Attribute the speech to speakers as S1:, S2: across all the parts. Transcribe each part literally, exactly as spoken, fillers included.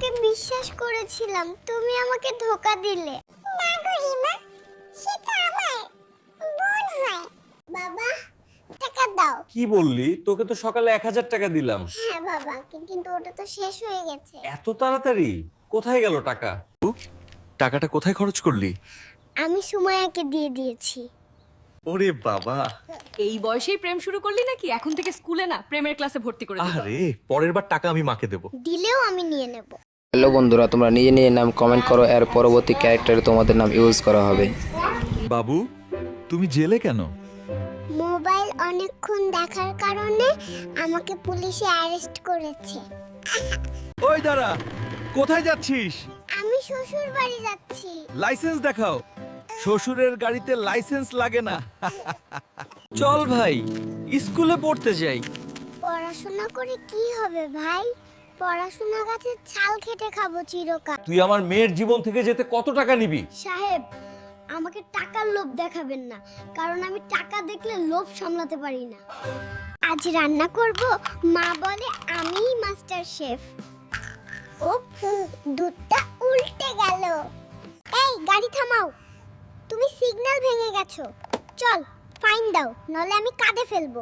S1: তোমাকে বিশ্বাস করেছিলাম, তুমি আমাকে ধোঁকা দিলে। না গরিমা, সে তো আমার বোন হয়। বাবা, টাকা দাও।
S2: কি বললি? তোকে তো সকালে এক হাজার টাকা দিলাম।
S1: হ্যাঁ বাবা, কিন্তু ওটা তো শেষ হয়ে গেছে।
S2: এত তাড়াতাড়ি? কোথায় গেল টাকা? টাকাটা কোথায় খরচ করলি?
S1: আমি সুমায়াকে দিয়ে দিয়েছি।
S2: ওরে বাবা,
S3: এই বয়সেই প্রেম শুরু করলি নাকি? এখন থেকে স্কুলে না, প্রেমের ক্লাসে ভর্তি করে দিবো।
S2: আরে পরের বার টাকা আমি মাকে দেব।
S1: দিলেও আমি নিয়ে নেব।
S4: হ্যালো বন্ধুরা, তোমরা নিজে নিজে নাম কমেন্ট করো, এর পরবর্তী ক্যারেক্টারে তোমাদের নাম ইউজ করা হবে।
S5: বাবু, তুমি জেলে কেন?
S1: মোবাইল অনেকক্ষণ দেখার কারণে আমাকে পুলিশে অ্যারেস্ট করেছে।
S5: ওই দাঁড়া, কোথায় যাচ্ছিস?
S1: আমি শ্বশুর বাড়ি যাচ্ছি।
S5: লাইসেন্স দেখাও। শ্বশুরের গাড়িতে লাইসেন্স লাগে না। চল ভাই, স্কুলে পড়তে যাই।
S1: পড়াশোনা করে কি হবে ভাই? পড়াশোনা গাছের ছাল খেটে খাবো চিরকাল।
S2: তুই আমার মেয়ের জীবন থেকে যেতে কত টাকা নিবি?
S1: সাহেব, আমাকে টাকার লোভ দেখাবেন না, কারণ আমি টাকা দেখলে লোভ সামলাতে পারি না। আজ রান্না করব, মা বলে আমিই মাস্টার শেফ। উফ, দুধটা উল্টে গেল। এই গাড়ি থামাও, তুমি সিগন্যাল ভেঙে গেছো। চল ফাইন দাও, নলে আমি কাঁদে ফেলবো।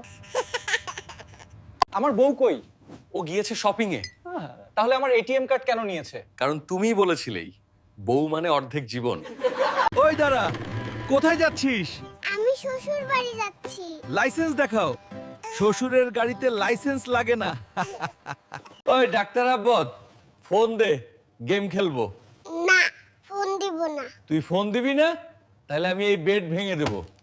S6: আমার বউ কই? ও গিয়েছে শপিং এ। তাহলে আমার এটিএম কার্ড কেন নিয়েছে?
S2: কারণ তুমিই বলেছিলেই বউ মানে অর্ধেক জীবন।
S5: ওই দাঁড়া, কোথায় যাচ্ছিস?
S1: আমি শ্বশুর বাড়ি যাচ্ছি।
S5: লাইসেন্স দেখাও। শ্বশুরের গাড়িতে লাইসেন্স লাগে না।
S2: ওই ডাক্তার আব্বদ, ফোন দে, গেম খেলবো।
S1: না, ফোন দিব না।
S2: তুই ফোন দিবি না? তাহলে আমি এই বেড ভেঙে দেবো।